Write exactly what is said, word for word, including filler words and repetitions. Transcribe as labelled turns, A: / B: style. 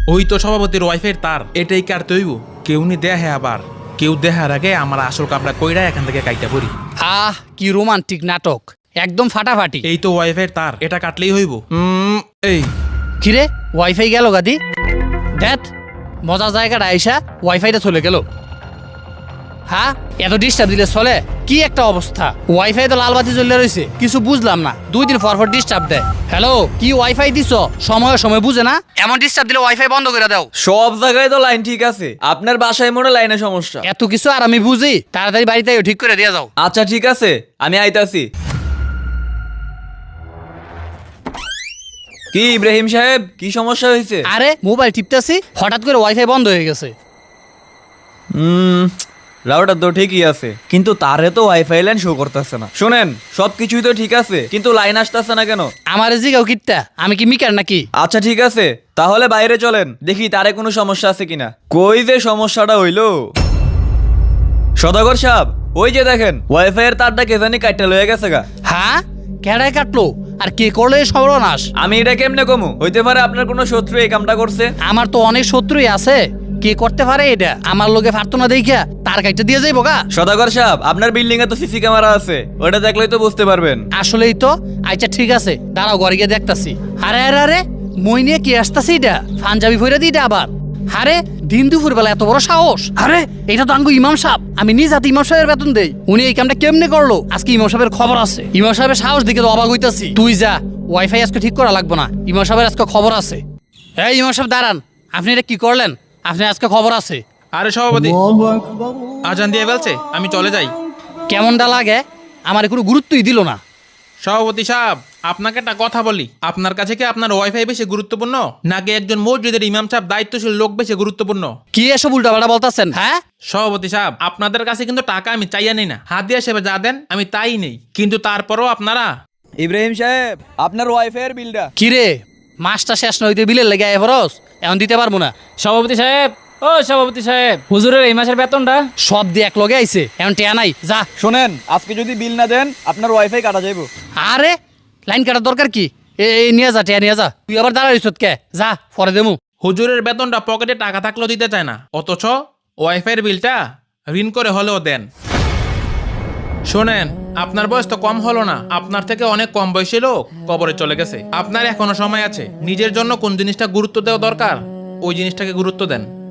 A: ওই তো সভাপতির ওয়াইফাইয়ের তার, এটাই কাটতে হইব। কেউ নি দেহে আবার, কেউ দেখার আগে আমার আসল কাপড়া কইরা এখান থেকে কাইটা পড়ি।
B: আহ কি রোমান্টিক নাটক, একদম ফাটাফাটি।
A: এই তো ওয়াইফাইয়ের তার, এটা কাটলেই হইব। উম, এই
B: কিরে ওয়াইফাই গেল গাদি? দেখ মজা জায়গাটা আইসা ওয়াইফাইটা চলে গেল। হ্যাঁ এত ডিস্টার্ব দিলে চলে? কি একটা অবস্থা, ওয়াইফাই তো লাল বাতি জ্বলে রয়েছে, কিছু বুঝলাম না। দুই দিন পর পর ডিস্টার্ব দেয়। হ্যালো, কি ওয়াইফাই দিছ? সময় সময় বুঝে না, এমন ডিস্টার্ব দিলে ওয়াইফাই বন্ধ করে দাও।
C: সব জায়গায় তো লাইন ঠিক আছে, আপনার বাসায় মনে লাইনের সমস্যা।
B: এত কিছু আর আমি বুঝি? তাড়াতাড়ি বাড়িতে ঠিক করে দিয়ে যাও।
C: আচ্ছা ঠিক আছে, আমি আইতাছি। কি ইব্রাহিম সাহেব, কি সমস্যা হয়েছে?
B: আরে মোবাইল টিপতেছি, হঠাৎ করে ওয়াইফাই বন্ধ হয়ে গেছে।
C: হুম, রাউটার তো ঠিকই আছে, কিন্তু তারে তো ওয়াইফাই লাইন শো করতেছে না। শুনেন, সবকিছুই তো ঠিক আছে, কিন্তু লাইন আসতেছে না কেন?
B: আমার জিগাও কিটটা, আমি কি মিকার নাকি?
C: আচ্ছা ঠিক আছে, তাহলে বাইরে চলেন, দেখি তারে কোনো সমস্যা আছে কিনা। কই যে সমস্যাটা হইলো? সদাগর সাহেব, ওই যে দেখেন ওয়াইফাই এর তারটা কে জানি কাটটা লয়ে গেছে গা।
B: হ্যাঁ কেডায় কাটলো আর কে করলো এই সর্বনাশ?
C: আমি এটা কেমনে কমু? হইতে পারে আপনার কোনো শত্রু এই কামটা করছে।
B: আমার তো অনেক শত্রুই আছে, কে করতে পারে এটা? আমার লোকে পারতো না দেখিয়া তার কাইটা দিয়ে যাইব গা।
C: সদাগর সাহেব, আপনার বিল্ডিং এ তো সিসি ক্যামেরা আছে, ওটা দেখলেই তো বুঝতে পারবেন।
B: আসলেই তো। আচ্ছা ঠিক আছে, দাঁড়াও ঘরে গিয়ে দেখতাছি। আরে আরে আরে মই নিয়ে কি আসতাছি? এটা পাঞ্জাবি ফইরা দিই এটা আবার। আরে দিন দুপুর বেলা এত বড় সাহস! আরে এটা তো আঙ্গু ইমাম সাহেব, আমি নিজ হাতে ইমাম সাহেবের বেতন দেই। উনি এই কামটা কেমনে করলো? আজকে ইমাম সাহেবের খবর আছে। ইমাম সাহেবের সাহস দিকে তো অবাক হইতাছি। তুই যা, ওয়াইফাই আজকে ঠিক করা লাগবে না, ইমাম সাহেবের আজকে খবর আছে। এই ইমাম সাহেব দাঁড়ান, আপনি এটা কি করলেন? আপনি আজকে খবর আছে।
A: আরে সভাপতি, আজান দিয়ে ফেলছে, আমি চলে যাই।
B: কেমনটা লাগে? আমার কোনো গুরুত্বই দিল না।
A: সভাপতি সাহেব, আপনাকে একটা কথা বলি, আপনার কাছে কি আপনার ওয়াইফাই বেশি গুরুত্বপূর্ণ, নাকি একজন মসজিদের ইমাম সাহেব দায়িত্বশীল লোক বেশি গুরুত্বপূর্ণ?
B: কি এসব উল্টাপাল্টা বলতেছেন? হ্যাঁ
A: সভাপতি সাহেব, আপনাদের কাছে কিন্তু টাকা আমি চাইয়া নেই না, হাদিয়া হিসেবে যা দেন আমি তাই নেই, কিন্তু তারপরও আপনারা।
C: ইব্রাহিম সাহেব, আপনার ওয়াইফাই এর বিলটা।
B: কি রে, মাসটা শেষ নইতে বিলের লেগে এভারস এখন দিতে পারবো না।
D: সভাপতি সাহেব, ও সভাপতি সাহেব, হুজুরের এই মাসের বেতনটা।
B: সব দিয়ে এক লগে আইছে, এখন টেয়া নাই, যা।
C: শোনেন, আজকে যদি বিল না দেন আপনার ওয়াইফাই কাটা যাইব।
B: আরে লাইন কাটার দরকার কি? এই নিয়ে যা, টেয়া নিয়ে যা। তুই আবার দাঁড়াইছ কে? যা পরে দেমু।
A: হুজুরের বেতনটা পকেটে টাকা থাকলেও দিতে চায় না, অথচ ওয়াইফাইয়ের বিলটা ঋণ করে হলেও দেন। শোনেন, আপনার বয়স তো কম হলো না, আপনার থেকে অনেক কম বয়সী লোক কবরে চলে গেছে। আপনার এখনো সময় আছে, নিজের জন্য কোন জিনিসটা গুরুত্ব দেওয়া দরকার ওই জিনিসটাকে গুরুত্ব দেন।